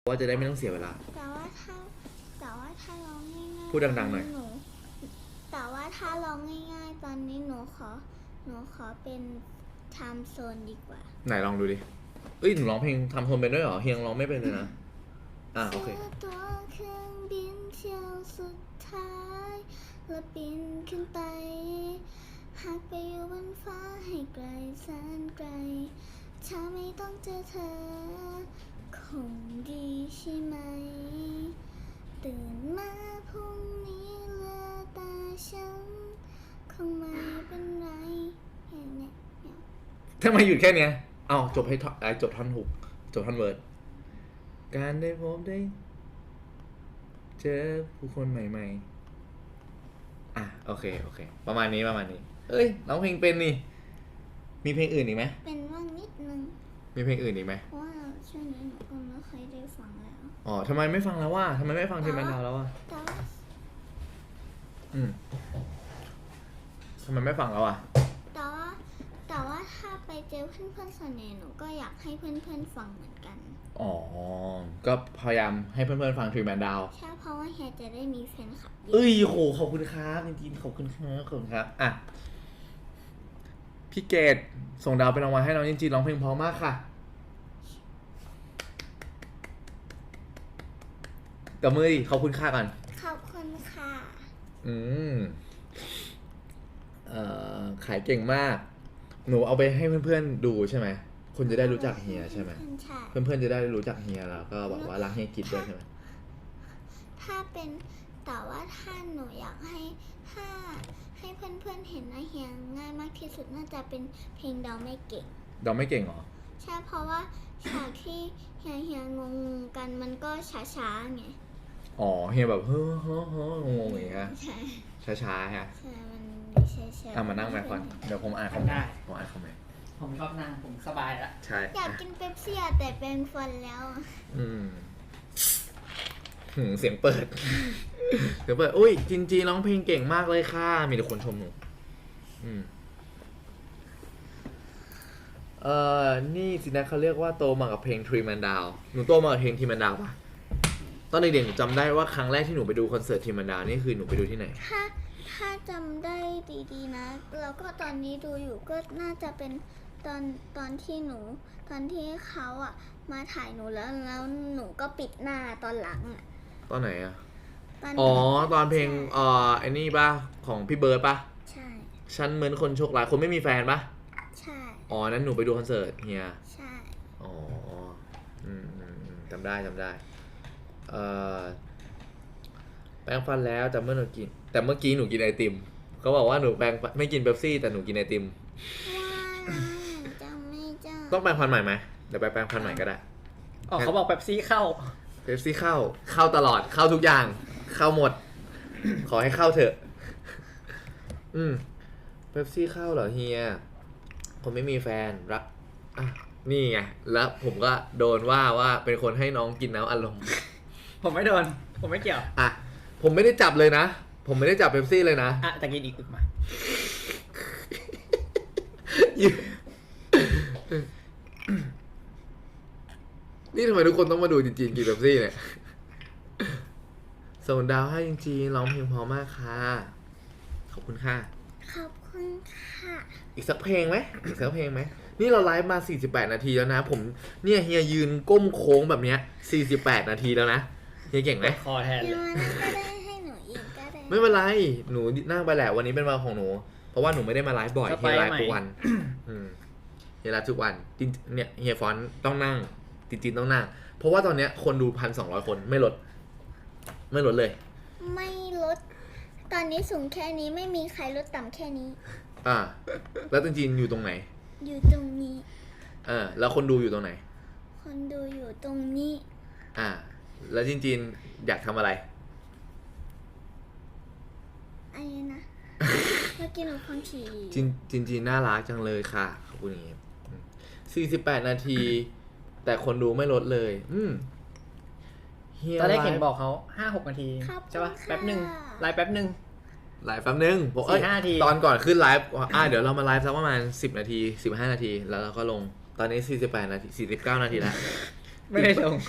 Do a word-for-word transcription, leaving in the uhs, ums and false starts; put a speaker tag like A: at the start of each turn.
A: ว่าจะได้ไม่ต้องเสียเวลา
B: แต่ว่าถ้าแต่ว่าถ้าร้องง่ายๆ
A: พูดดังๆหน่อย
B: นูแต่ว่าถ้าร้องง่ายๆตอนนี้หนูขอหนูขอเป็นไทม์โซนดีกว่า
A: ไหนลองดูดิเอ้ยหนูร้องเพลงทำโทนเป็นด้วยเหรอเฮียงร้องไม่เป็นเลยนะอ่ะโอเค
B: ตัวเครื่องบินเที่ยวสุดท้ายแล้วบินขึ้นไปหากไปอยู่บนฟ้าให้ไกลแสนไกลถ้าไม่ต้องเจอเธอคงดีใช่ไหมตื่นมาพรุ่งนี้เหลือแต่ฉันคงไม่เป็นไรอย่างเนี้ย
A: ทำไมหยุดแค่เนี้ยเอาจบให้ท่อนจบท่อนหุกจบท่อนเวิร์ดการได้พบได้เจอผู้คนใหม่ๆอ่ะโอเคโอเคประมาณนี้ประมาณนี้เอ้ยร้องเพลงเป็นนี่มีเพลงอื่นอีกไหม
B: เป็นว่างนิดนึง
A: มีเพลงอื่นอีกไหม
B: เพราะว่าช่วงนี้หนูก็ไม่ค่อยได้ฟังแล้ว
A: อ๋อทำไมไม่ฟังแล้วว่าทำไมไม่ฟังทีมันดาวแล้วว่า
B: แต่ว่า
A: อืมทำไมไม่ฟังแล้วอ่ะ
B: แต่ว่าแต่ว่าถ้าไปเจอเพื่อนๆส่วนใหญ่หนูก็อยากให้เพื่อนๆฟังเหมือนกัน
A: อ๋อก็พยายามให้เพื่อนๆฟังทีมันดาว
B: ใช่เพราะว่าเฮียจะได้มีแฟนคลับ
A: เอ้ยโหขอบคุณครับจริงๆขอบคุณครับขอบคุณครับอ่ะพี่เกดส่งดาวเป็นรางวัลให้น้องจริงๆร้องเพลงเพราะมากค่ะกับมือดิขอบคุณค่าก่อน
B: ขอบคุณค่ะ
A: อืมเอ่อขายเก่งมากหนูเอาไปให้เพื่อนๆดูใช่ไหมคนจะได้รู้จักเฮียใช่ไหมเพื่อนๆจะได้รู้จักเฮียแล้วก็บอกว่ารักเฮียกิจด้วยใช่ไหม
B: ถ้าเป็นแต่ว่าถ้าหนูอยากให้ถ้าให้เพื่อนๆเห็นนะเฮียง่ายมากที่สุดน่าจะเป็นเพลงเดาไม่เก่ง
A: เดาไม่เก่งเหรอ
B: ใช่เพราะว่าฉากที่เฮียเฮียงงกันมันก็ช้าๆไง
A: อ๋อเฮียแบบเฮ้อเฮ้อเฮ้องงๆอย่างเงี้ย
B: ใช่
A: ช้าๆฮะ
B: ใช่มันช้าๆ
A: อ่ะมานั่งแม่ก่อนเดี๋ยวผมอ่านคอมเมนต์ผมอ่านคอมเมนต์
C: ผมชอบนั่งผมสบายแล้ว
A: ใช่
B: อยากกินเป๊ปซี่แต่เป็นฟันแล้ว
A: อืมเสียงเปิดเสียงเปิดอุ้ยจินจีร้องเพลงเก่งมากเลยค่ะมีแต่คนชมหนูอืมเอ่อนี่สินะเขาเรียกว่าโตมากับเพลง Three Man Down หนูโตมากับเพลง Three Man Down ป่ะตอนเด็กๆหนูจำได้ว่าครั้งแรกที่หนูไปดูคอนเสิร์ต Three Man Down นี่คือหนูไปดูที่ไหน
B: ถ้าถ้าจำได้ดีๆนะแล้วก็ตอนนี้ดูอยู่ก็น่าจะเป็นตอนตอนที่หนูตอนที่เขาอ่ะมาถ่ายหนูแล้วแล้วหนูก็ปิดหน้าตอนหลังอ่ะ
A: ตอนไหนอ่ะอ๋อตอนเพลงเอ่อไอ้นี่ป่ะของพี่เบิร์ดป่ะ
B: ใช่
A: ฉันเหมือนคนโชคร้ายคนไม่มีแฟนป่ะ
B: ใช่
A: อ๋อนั้นหนูไปดูคอนเสิร์ตเฮีย
B: ใช่
A: อ๋ออืมจำได้จำได้เอ่อแปรงฟันแล้วแต่เมื่อหนูกินแต่เมื่อกี้หนูกินไอติมเขาบอกว่าหนูแปรงไม่กินเป๊ปซี่แต่หนูกินไอติม
B: จำไม่จำ
A: ต้องแปรงฟันใหม่ไหมเดี๋ยวไปแปรงฟันใหม่ก็ได้
C: อ๋อเขาบอกเป๊ปซี่เข้า
A: เป๊ปซี่เข้าเข้าตลอดเข้าทุกอย่างเข้าหมดขอให้เข้าเถอะอืมเป๊ปซี่เข้าเหรอเฮียผมไม่มีแฟนรักอ่ะนี่ไงแล้วผมก็โดนว่าว่าเป็นคนให้น้องกินน้ำอารมณ์
C: ผมไม่โดนผมไม่เกี่ยว
A: อ่ะผมไม่ได้จับเลยนะผมไม่ได้จับเป๊ปซี่เลยนะ
C: อ่ะแต่กินอีกอึกมา
A: นี่ทำไมทุกคนต้องมาดูจริงๆกินเป๊ปซี่เนี่ยส่งดาวให้จริงๆร้องเพลงเพราะมากค่ะขอบคุณค่ะ
B: ขอบคุณค่ะ
A: อีกสักเพลงไหมอีกสักเพลงไหมนี่เราไลฟ์มาสี่สิบแปดนาทีแล้วนะผมเนี่ยเฮียยืนก้มโค้งแบบเนี้ยสี่สิบแปดนาทีแล้วนะเฮียเก่งไหม
C: คอแทนเลย
B: ก็ได้ให้หนูอีกก็ได้
A: ไม่เป็นไรหนูนั่งไปแหละวันนี้เป็นวันของหนูเพราะว่าหนูไม่ได้มาไลฟ์บ่อยเฮียไลฟ์ทุกวันเฮียไลฟ์ทุกวันจริงเนี่ยเฮียฟอนต้องนั่งจริงๆต้องนั่งเพราะว่าตอนเนี้ยคนดูพันสองร้อยคนไม่ลดไม่ลดเลย
B: ไม่ลดตอนนี้สูงแค่นี้ไม่มีใครลดต่ำแค่นี้
A: อ่าแล้วจริงๆอยู่ตรงไหน
B: อยู่ตรงนี้
A: เออแล้วคนดูอยู่ตรงไหน
B: คนดูอยู่ตรงนี้
A: อ่าแล้วจริงๆอยากทำอะไร
B: อะไรนะเมื่อกี้หนูฟังฉี่
A: จริงจริงๆน่ารักจังเลยค่ะขอบคุณอย่างงี้สี่สิบแปดนาทีแต่คนดูไม่ลดเลยอืม
C: ตอนแรกเห็นบอกเขาห้าหกนาทีใช่ป่ะแป๊บหนึ่งไลฟ์แป๊บหนึ่ง
A: ไลฟ์แป๊บนึงบอกเอ้ยตอนก่อนขึ้นไลฟ์อ่าเดี๋ยวเรามาไลฟ์สักประมาณสิบนาทีสิบห้านาทีแล้วเราก็ลงตอนนี้สี่สิบแปดนาทีสี่สิบเก้านาทีแล้ว
C: ไม่ได้ลง